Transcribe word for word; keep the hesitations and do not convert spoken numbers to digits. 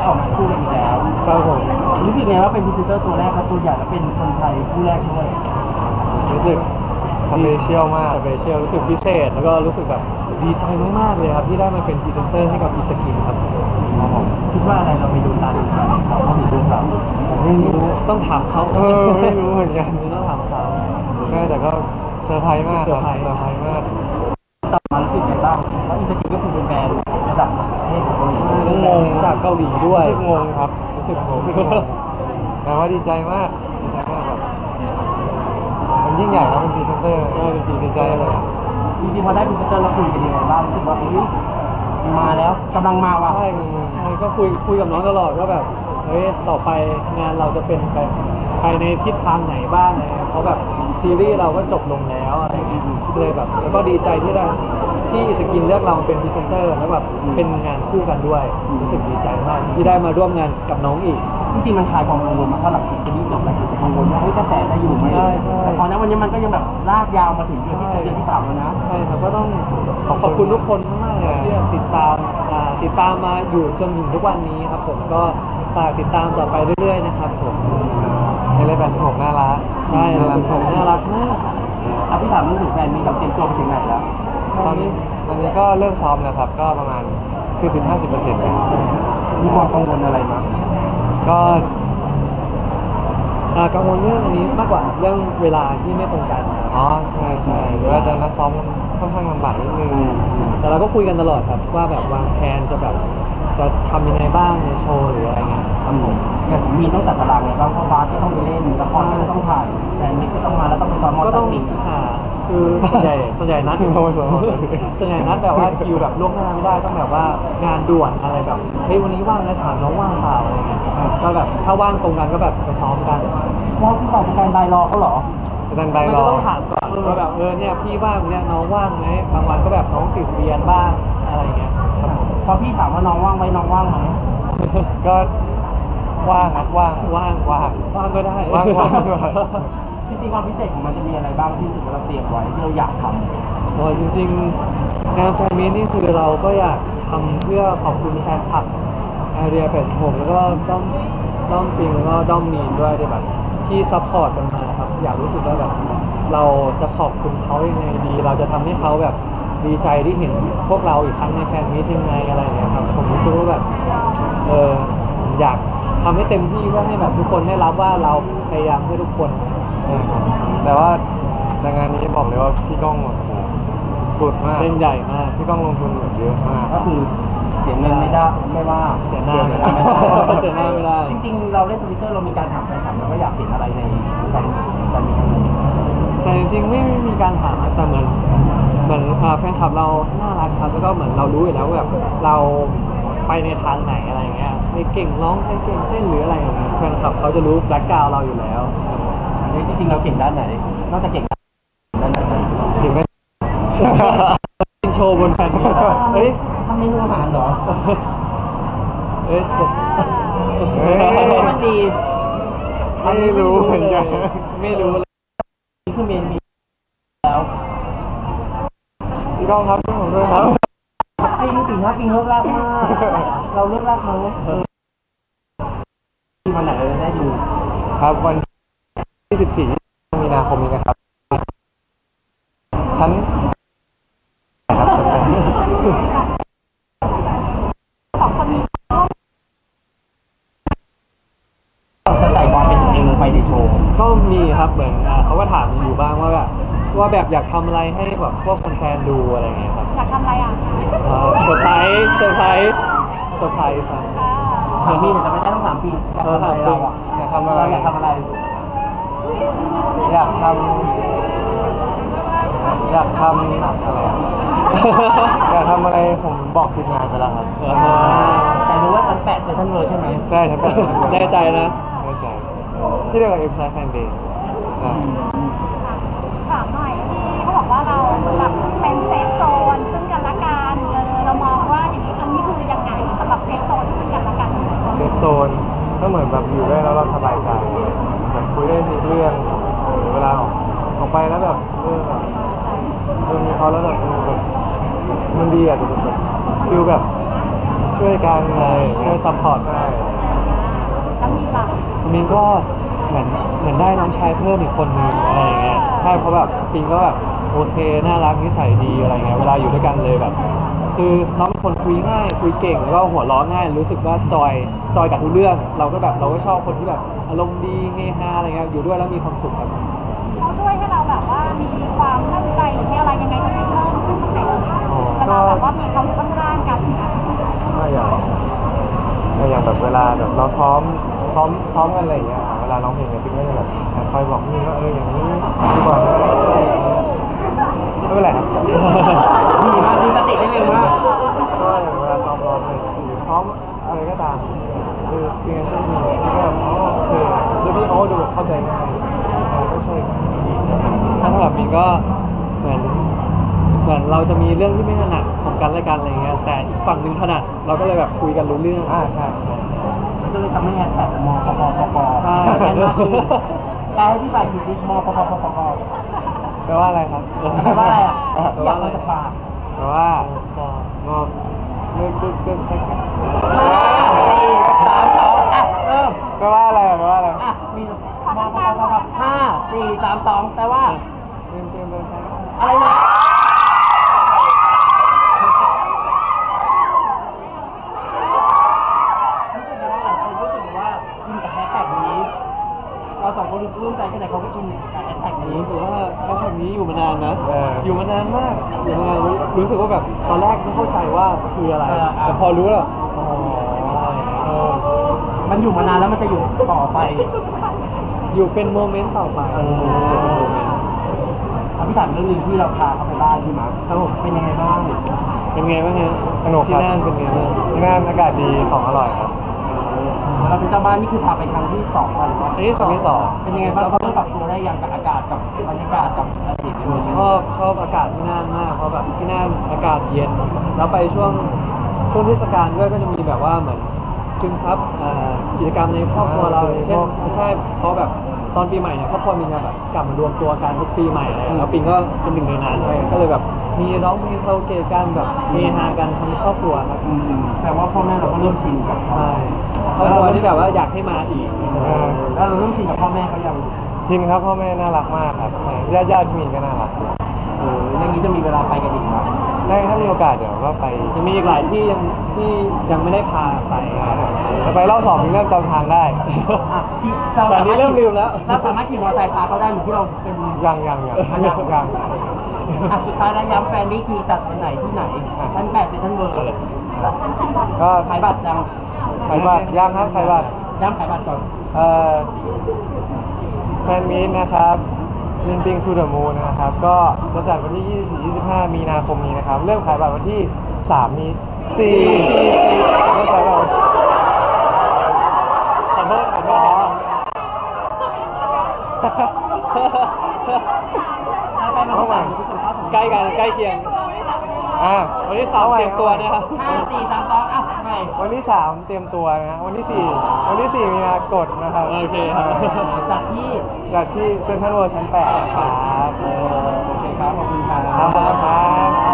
ออกมาคู่กันอีกแล้วครับผมรู้สึกไงว่าเป็นพรีเซนเตอร์ตัวแรกและตัวใหญ่และเป็นคนไทยคู่แรกด้วยรู้สึกสเปเชียลมากสเปเชียลรู้สึกพิเศษแล้วก็รู้สึกแบบดีใจมากๆเลยครับที่ได้มาเป็นพรีเซนเตอร์ให้กับอีสกินครับครับผมคิดว่าอะไรเราไปดูตาดูใจเขาเขาถึงดูเขาไม่รู้ต้องถามเขาเออไม่รู้เหมือนกันต้องถามเขาแต่ก็เซอร์ไพรส์มากครับเซอร์ไพรส์มากต่อมารู้สึกไงบ้างเพราะอีสกินก็คือเป็นแบรนด์ระดับประเทศของเกาหลีงงจากเกาหลีด้วยรู้สึกงงครับรู้สึกงงรู้สึกงงแต่ว่าดีใจมากดีใจมากแบบมันยิ่งใหญ่นะเป็นพรีเซนเตอร์ใช่เป็นพรีเซนเตใจอร์เลยจริงๆพอได้พรีเซนเตอร์แล้วคุยกันยังไงบ้างรู้สึกว่าอุ้ยมาแล้วกำลังมาว่ะใช่ใช่ก็คุยคุยกับน้องตลอดว่าแบบเฮ้ยต่อไปงานเราจะเป็นไปไปในทิศทางไหนบ้างอะไรเพราะแบบซีรีส์เราก็จบลงแล้วอะไรอย่างเงี้ยเลยแบบแล้วก็ดีใจที่ได้ที่สกินเลือกเราเป็นพรีเซนเตอร์แล้วแบบเป็นงานคู่กันด้วยรู้สึกดีใจมากที่ได้มาร่วมงานกับน้องอีกจริงๆมันคลายความกังวลมาเพราะหลังจากซีรีส์จบแล้วจะกังวลว่าเฮ้ยกระแสจะอยู่ไหมใช่ใช่แต่พอณวันนี้มันก็ยังแบบลากยาวมาถึงเดือนที่เดือนที่สามแล้วนะใช่ครับก็ต้องขอบคุณทุกคนมากๆเลยที่ติดตามติดตามมาอยู่จนถึงทุกวันนี้ครับผมก็ฝากติดตามต่อไปเรื่อยๆนะครับผมในเลขแปดสิบหกน่ารักใช่น่ารักน่ารักมากอ่ะพี่ถามเรื่องถึงแฟนมีกับเตรียมตัวไปถึงไหนแล้วตอนนี้ตอนนี้ก็เริ่มซ้อมแล้วครับก็ประมาณสี่สิบห้าสิบเปอร์เซ็นต์แล้วมีความกังวลอะไรมั้ยก็กังวลเรื่องอันนี้มากกว่าเรื่องเวลาที่ไม่ตรงกันอ๋อใช่ใช่หรือว่าจะนัดซ้อมค่อนข้างลำบากนิดนึงแต่เราก็คุยกันตลอดครับว่าแบบวางแผนจะแบบจะทำยังไงบ้างในโชว์หรืออะไรเงี้ยครับผมอย่างมีต้องจัดตารางไงบ้างเพราะบาสก็ต้องไปเล่นละครก็ต้องถ่ายแต่มิกก็ต้องมาแล้วต้องไปซ้อมมอเตอร์ก็ต้องหาคือส่วนใหญ่ส่วนใหญ่นัดส่วนใหญ่นัดแบบว่าคิวแบบล่วงหน้าไม่ได้ต้องแบบว่างานด่วนอะไรแบบเฮ้ยวันนี้ว่างนะถามน้องว่างเปล่าอะไรเงี้ยก็แบบถ้าว่างตรงกันก็แบบไปซ้อมกันเพราะพี่บอกสแตนบายรอเขาเหรอสแตนบายรอก็ต้องถามก่อนว่าแบบเออเนี่ยพี่ว่างเนี่ยน้องว่างไหมบางวันก็แบบน้องติดเรียนบ้างอะไรเงี้ยพอพี่ถามว่าน้องว่างไหมน้องว่างไหมก็ว่างนะว่างว่างว่างว่างก็ได้ว่างว่างจริงๆความพิเศษของมันจะมีอะไรบ้างที่รู้สึกว่าเราเตรียมไว้ที่เราอยากทำโอ้จริงๆงานแฟนมีตนี่คือเราก็อยากทำเพื่อขอบคุณแฟนคลับแอเรียแปดสิบหกแล้วก็ด้อมด้อมปิงแล้วก็ด้อมมีนด้วยที่แบบที่ซัพพอร์ตกันมาครับอยากรู้สึกว่าแบบเราจะขอบคุณเขายังไงดีเราจะทำให้เขาแบบดีใจที่เห็นพวกเราอีกครั้งในแฟนมีตยังไงอะไรอย่างเงี้ยครับผมรู้สึกว่าแบบเอออยากทำให้เต็มที่เพื่อให้แบบทุกคนได้รับว่าเราพยายามเพื่อทุกคนแต่ว่าในงานนี้บอกเลยว่าพี่ก้องสุดมากเล่นใหญ่มากพี่ก้องลงทุนเยอะมากก็คือเสียเงินไม่ได้ไม่ว่าเสียหน้าไม่ได้เสียหน้าไม่ได้จริงๆเราเล่นทวิตเตอร์เรามีการถามแฟนคลับเราก็อยากเห็นอะไรในการการมีครั้งนี้แต่จริงๆไม่มีการถามแต่เหมือนเหมือนแฟนคลับเราน่ารักครับแล้วก็เหมือนเรารู้อยู่แล้วแบบเราไปในทางไหนอะไรเงี้ยใครเก่งร้องใครเก่งเต้นหรืออะไรอย่างเงี้ยแฟนคลับเขาจะรู้แบล็คกราวด์เราอยู่แล้วจริงๆเราเก่งด้านไหนนอกจากเก่งด้านไหนถึงไม่โชว์บนแผ่นนี้เฮ้ยทำเมนูอาหารเหรอเฮ้ยมันดีไม่รู้เหมือนกันไม่รู้เลยนี่คือเมนมีแล้วพี่ก้องครับพี่ผมด้วยครับปิงสิงห์ปิงเลิกลากมากเราเลิกลากมั้ยวันไหนเราได้ดูครับวันที่สิบสี่มีนาคมนี้นะครับชั้นครับชั้นแปดสองคนนี้จะใส่ความเป็นตัวเองลงไปในโชว์ก็มีครับเหมือนเขาก็ถามอยู่บ้างว่าแบบว่าแบบอยากทำอะไรให้แบบพวกแฟนๆดูอะไรอย่างเงี้ยครับอยากทำอะไรอ่ะเซอร์ไพรส์เซอร์ไพรส์เซอร์ไพรส์ครับสามปีแต่ไม่ได้ต้องสามปีอยากทำอะไรเราอ่ะอยากทำอะไรอยากทำอะไรอยากทำอยากทำอะไรอยากทำอะไรผมบอกทีมงานไปแล้วครับแต่รู้ว่าชั้นแปดเซ็นทรัลเวิลด์ใช่ไหมใช่ชั้นแปดแน่ใจนะแน่ใจที่เรียกว่าเอ็มไซด์แฟนเดย์ใช่ถามหน่อยที่เขาบอกว่าเราแบบเป็นเซฟโซนซึ่งกันและกันเรามองว่าอย่างนี้อันนี้คือยังไงสำหรับเซฟโซนซึ่งกันและกันเซฟโซนก็เหมือนแบบอยู่ด้วยแล้วเราสบายใจเหมือนคุยได้ทุกเรื่องเวลาออกออกไปแล้วแบบเออแบบเออมีเขาแล้วแบบมันดีอ่ะแบบฟิลแบบช่วยกันอะไรช่วยซัพพอร์ตใช่แล้วมีหลักมินก็เหมือนเหมือนได้น้องชายเพิ่มอีกคนนึงอะไรอย่างเงี้ยใช่เพราะแบบปิงก็แบบโอเคน่ารักนิสัยดีอะไรเงี้ยเวลาอยู่ด้วยกันเลยแบบ คือน้องเป็นคนคุยง่ายคุยเก่งแล้วก็หัวเราะง่ายรู้สึกว่าจอยจอยกับทุกเรื่อง เราก็แบบเราก็ชอบคนที่แบบอารมณ์ดีเฮฮาอะไรเงี้ยอยู่ด้วยแล้วมีความสุขครับเขาช่วยให้เราแบบว่ามีความมั่นใจหรือมีอะไรยังไงกันเพิ่มขึ้นตรงไหนเวลาแบบว่ามีเขาอยู่ข้างๆกันนะก็อย่างก็อย่างแบบเวลาแบบเราซ้อมซ้อมซ้อมกันอะไรอย่างเงี้ยเวลาร้องเพลงเนี่ยปิ๊งก็จะแบบคอยบอกพี่ว่าเอออย่างนี้ดีกว่านะอะไรอย่างเงี้ยไม่เป็นไรครับดีมากดีสติได้เร็วมากก็อย่างเวลาซ้อมร้องเลยหรือซ้อมอะไรก็ตามคือเป็นไงช่วยมีพี่ก็แบบอ๋อโอเคคือพี่เขาก็ดูแบบเข้าใจง่ายเราก็ช่วยกันถ้าสำหรับมินก็เหมือนเหมือนเราจะมีเรื่องที่ไม่ถนัดของกันและกันอะไรเงี้ยแต่อีกฝั่งหนึ่งถนัดเราก็เลยแบบคุยกันรู้เรื่องอ่าใช่ใช่ก็เลยทำให้แฮชแท็กมปปปปใช่แอนมากขึ้นแปลให้พี่ฝ่ายคิดซิมปปปปปแปลว่าอะไรครับแปลว่าอะไรอ่ะอยากมาจากปากแปลว่างอมเลิกกึกกึกแค่สี่สามสองอ่ะเริ่มแปลว่าอะไรอ่ะแปลว่าอะไรอ่ะมีมปปปปห้าสี่สามสองแปลว่าเติมเติมเติมอะไรนะรู้สึกว่าหลายคนรู้สึกว่าอินกับแฮชแท็กนี้ เราสองคนรู้ใจกันแต่เขาก็อินกับแฮชแท็กนี้รู้สึกว่าแฮชแท็กนี้อยู่มานานนะ อยู่มานานมากอยู่มานานรู้รู้สึกว่าแบบตอนแรกไม่เข้าใจว่าคืออะไร แต่พอรู้แล้วอ๋อเออมันอยู่มานานแล้วมันจะอยู่ต่อไปอยู่เป็นโมเมนต์ต่อไปเออเอาพี่ถามเรื่องหนึงที่เราพาเขาไปบ้านพี่มาร์คครับผมเป็นยังไงบ้างเป็นไงบ้างฮะสนุกคที่รับนั่นเป็นไงบ้างที่นั่นอากาศดีของอร่อยครับเราเป็นเจ้าบ้านนี่คือพาไปครั้งที่สองกันหรือเปล่าอันที่คสองรั้งที่สองเป็นยังไงบ้างเขาต้องปรับตัวได้ยังกับอากาศกับบรรยากาศกับอะไรอย่างเงี้ยชอบชอบอากาศที่นั่นมากเพราะแบบที่นั่นอากาศเย็น แล้วไปช่วงช่วงเทศกาลด้วยก็จะมีแบบว่าเหมือนซึมซับอ่ากิจกรรมในครอบครัวเราอย่างเช่นไม่ใช่เพราะแบบตอนปีใหม่เนี่ยครอบครัวมีงานแบบกลับมารวมตัวกันทุกปีใหม่เลยแล้วปิงก็เป็นหนึ่งในนั้นเลยก็เลยแบบมีร้องเพลงคาราโอเกะกันแบบเฮฮากันทั้งครอบครัวครับอืมแต่ว่าพ่อแม่เราก็เริ่มชินกับเขาใช่ครอบครัวที่แบบว่าอยากให้มาอีกเออแล้วเราเริ่มชินกับพ่อแม่เขายังทินครับพ่อแม่น่ารักมากครับญาติญาติที่มีก็น่ารักเอออย่างนี้จะมีเวลาไปกันอีกไหมได้ถ้ามีโอกาสเดี๋ยวก็ไปยังมีอีกหลายที่ยังที่ยังไม่ได้พาไปจะไปรอบสองนี่เริ่มจำทางได้อ่ะที่เราแต่อันนี้เริ่มลืมแล้วเราสามารถขี่มอเตอร์ไซค์พาเขาได้เหมือนที่เราเป็นยังยังยังยังยังอ่ะสุดท้ายแล้วย้ำแฟนนี่คือจัดวันไหนที่ไหนชั้นแปดเซ็นทรัลเวิลด์ก็ขายบัตรยังขายบัตรยังครับขายบัตรย้ำขายบัตรก่อนเอ่อแฟนมีตนะครับมินปิงทูเดอะมูนนะครับ ก็จะจัดวันที่ ยี่สิบสี่ ยี่สิบห้า มีนาคมนี้นะครับ เริ่มขายบัตรวันที่ สาม มีสี่เริ่มขายบัตรขอโทษขอโทอ๋อษไปมาสามคุณสัมภาษณ์สองใกล้กันใกล้เคียงอ่ะวันที่สามเตรียมตัวนะครับห้าสี่สามสองอ่ะใหม่วันที่ สาม เตรียมตัวนะ วันที่ สี่ วันที่ สี่ มีนากดนะครับโอเคครับจากที่จัดที่เซ็นทรัลเวิลด์ชั้น แปดครับโอเคครับขอบคุณครับขอบคุณครับ